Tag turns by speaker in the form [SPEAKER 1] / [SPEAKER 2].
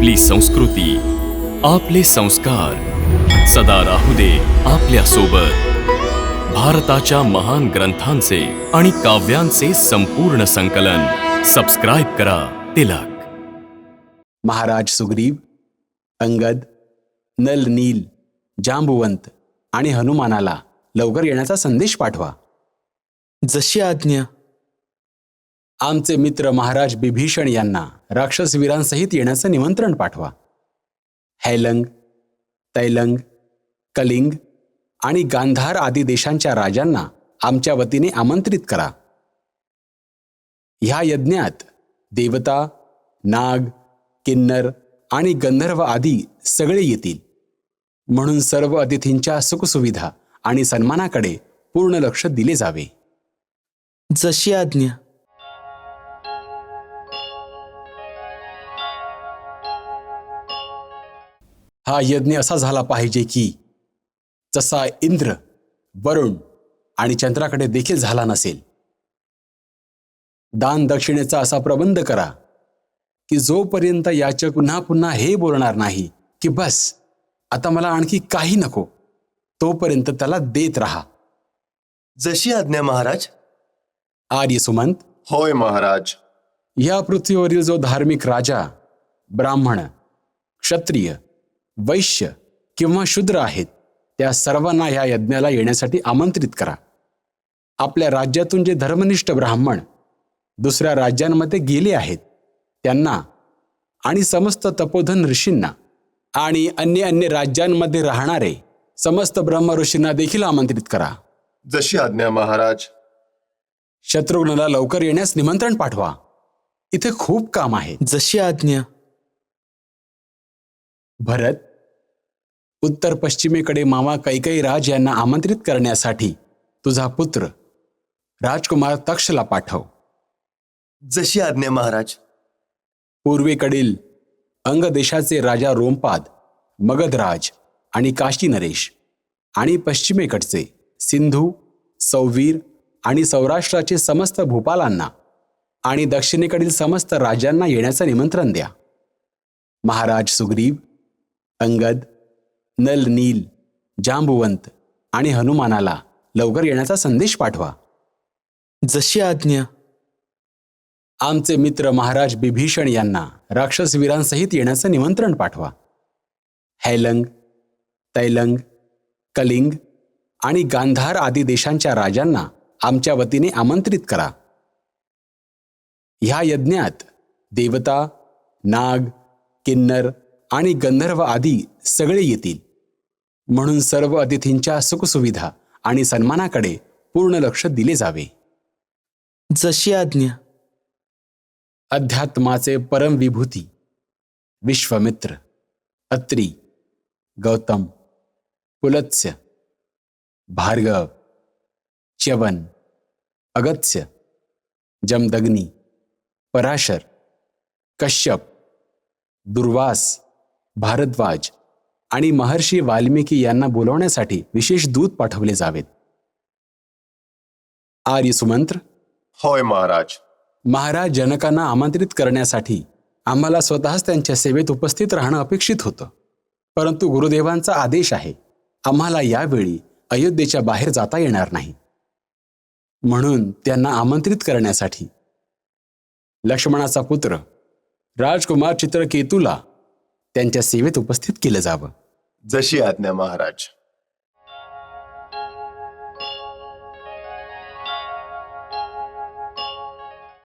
[SPEAKER 1] आपली संस्कृती, आपले संस्कार सदा राहू दे आपल्या सोबत. भारताच्या महान ग्रंथांचे आणि काव्यांचे संपूर्ण संकलन. सबस्क्राईब करा तिलक.
[SPEAKER 2] महाराज सुग्रीव, अंगद, नल, नील, जांबुवंत आणि हनुमानाला लवकर येण्याचा संदेश पाठवा.
[SPEAKER 3] जशी आज्ञा.
[SPEAKER 2] आमचे मित्र महाराज बिभीषण यांना राक्षसवीरांसहित येण्याचं निमंत्रण पाठवा. हैलंग, तैलंग, कलिंग आणि गांधार आदी देशांच्या राजांना आमच्या वतीने आमंत्रित करा. ह्या यज्ञात देवता, नाग, किन्नर आणि गंधर्व आदी सगळे येतील, म्हणून सर्व अतिथींच्या सुखसुविधा आणि सन्मानाकडे पूर्ण लक्ष दिले जावे.
[SPEAKER 3] जशी आज्ञा.
[SPEAKER 2] हा यज्ञ असा झाला पाहिजे की जसा इंद्र, वरुण आणि चंद्राकडे देखील झाला नसेल. दान दक्षिणेचा असा प्रबंध करा की जोपर्यंत याचक पुन्हा पुन्हा हे बोलणार नाही की बस आता मला आणखी काही नको, तोपर्यंत त्याला देत राहा.
[SPEAKER 4] जशी आज्ञा महाराज.
[SPEAKER 2] आर्य सुमंत,
[SPEAKER 4] होय महाराज.
[SPEAKER 2] या पृथ्वीवरील जो धार्मिक राजा, ब्राह्मण, क्षत्रिय, वैश्य किंवा शूद्र आहेत त्या सर्वांना या यज्ञाला येण्यासाठी आमंत्रित करा. आपल्या राज्यातून जे धर्मनिष्ठ ब्राह्मण दुसऱ्या राज्यांमध्ये गेले आहेत त्यांना आणि समस्त तपोधन ऋषींना आणि अन्य राज्यांमध्ये राहणारे समस्त ब्रह्म ऋषींना देखील आमंत्रित करा.
[SPEAKER 4] जशी आज्ञा महाराज.
[SPEAKER 2] शत्रुघ्नला लवकर येण्यास निमंत्रण पाठवा. इथे खूप काम आहे.
[SPEAKER 3] जशी आज्ञा.
[SPEAKER 2] भरत, उत्तर पश्चिमेकडे मामा कैकेयी राज यांना आमंत्रित करण्यासाठी तुझा पुत्र राजकुमार तक्षला पाठव.
[SPEAKER 4] जशी आज्ञा महाराज.
[SPEAKER 2] पूर्वेकडील अंग देशाचे राजा रोमपाद, मगधराज आणि काशी नरेश आणि पश्चिमेकडचे सिंधू, सौवीर आणि सौराष्ट्राचे समस्त भूपालांना आणि दक्षिणेकडील समस्त राज्यांना येण्याचं निमंत्रण द्या. महाराज सुग्रीव, अंगद, नल, नील, जांबुवंत आणि हनुमानाला लवकर येण्याचा संदेश पाठवा.
[SPEAKER 3] जशी आज्ञा.
[SPEAKER 2] आमचे मित्र महाराज बिभीषण यांना राक्षसवीरांसहित येण्याचं निमंत्रण पाठवा. हैलंग, तैलंग, कलिंग आणि गांधार आदी देशांच्या राजांना आमच्या वतीने आमंत्रित करा. ह्या यज्ञात देवता, नाग, किन्नर आणि गंधर्व आदी सगळे येतील, म्हणून सर्व अतिथींच्या सुखसुविधा आणि सन्मानाकडे पूर्ण लक्ष दिले जावे.
[SPEAKER 3] जशी आज्ञा.
[SPEAKER 2] अध्यात्माचे परम विभूती विश्वामित्र, अत्री, गौतम, पुलत्स्य, भार्गव, च्यवन, अगस्त्य, जमदग्नी, पराशर, कश्यप, दुर्वास, भारद्वाज आणि महर्षी वाल्मिकी यांना बोलवण्यासाठी विशेष दूत पाठवले जावेत. आर्य सुमंत्र,
[SPEAKER 4] होय महाराज.
[SPEAKER 2] महाराज जनकांना आमंत्रित करण्यासाठी आम्हाला स्वतःच त्यांच्या सेवेत उपस्थित राहणं अपेक्षित होतं, परंतु गुरुदेवांचा आदेश आहे आम्हाला यावेळी अयोध्येच्या बाहेर जाता येणार नाही, म्हणून त्यांना आमंत्रित करण्यासाठी लक्ष्मणाचा पुत्र राजकुमार चित्रकेतूला त्यांच्या सेवेत उपस्थित केलं जावं.
[SPEAKER 4] जशी आज्ञा महाराज.